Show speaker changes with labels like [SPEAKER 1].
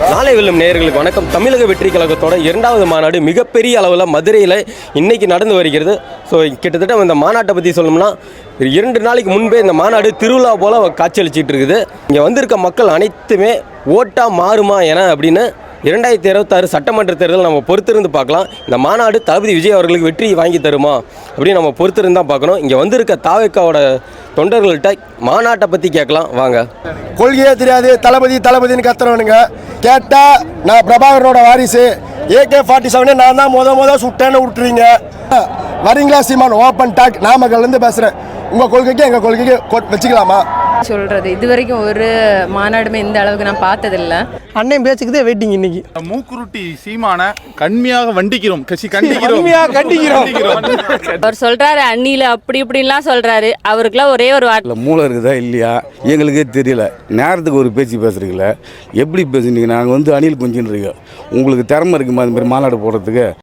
[SPEAKER 1] நாளை வெல்லும் நேயர்களுக்கு வணக்கம். தமிழக வெற்றி கழகத்தோட இரண்டாவது மாநாடு மிகப்பெரிய அளவில் மதுரையில் இன்னைக்கு நடந்து வருகிறது. ஸோ கிட்டத்தட்ட இந்த மாநாட்டை பற்றி சொல்லணும்னா 2 நாளைக்கு முன்பே இந்த மாநாடு திருவிழா போல் காட்சியளிச்சிட்டு இருக்குது. இங்கே வந்திருக்க மக்கள் அனைத்துமே ஓட்டா மாறுமா என அப்படின்னு 2026 சட்டமன்ற தேர்தல் நம்ம பொறுத்திருந்து பார்க்கலாம். இந்த மாநாடு தளபதி விஜய் அவர்களுக்கு வெற்றி வாங்கி தருமா அப்படின்னு நம்ம பொறுத்திருந்து தான் பார்க்கணும். இங்கே வந்திருக்க தாவேக்காவோட தொண்டர்கள்ட்ட மாநாட்டை பற்றி கேட்கலாம் வாங்க.
[SPEAKER 2] கொள்கையே தெரியாது, தளபதி தளபதினு கத்துறவனுங்க. கேட்டால் நான் பிரபாகரனோட வாரிசு, AK-47 நான் தான் முத சுட்டேன்னு விட்டுறீங்க. வரீங்களா சீமான்? Open talk. நாமக்கல்லேருந்து பேசுகிறேன். உங்கள் கொள்கைக்கு எங்கள் கொள்கைக்கு வச்சுக்கலாமா
[SPEAKER 3] சொல்கிறது? இது வரைக்கும் ஒரு மாநாடுமே இந்த அளவுக்கு நான் பார்த்ததில்லை.
[SPEAKER 4] அண்ணன் பேச்சுக்குதே வெயிட்டிங். இன்னைக்கு
[SPEAKER 5] மூக்குருட்டி சீமான கண்மையாக வண்டிக்கிறோம்,
[SPEAKER 6] அவர் சொல்றாரு அண்ணில அப்படி இப்படின்லாம் சொல்றாரு. அவருக்குலாம் ஒரே ஒரு வார்த்தை
[SPEAKER 7] மூளை இருக்குதா இல்லையா எங்களுக்கே தெரியல. நேரத்துக்கு ஒரு பேச்சு பேசுறீங்களே, எப்படி பேசுனீங்க? நாங்கள் அணில் குஞ்சுன்னு இருக்கோம். உங்களுக்கு திறமை இருக்குமா அது மாதிரி மாநாடு போடுறதுக்கு?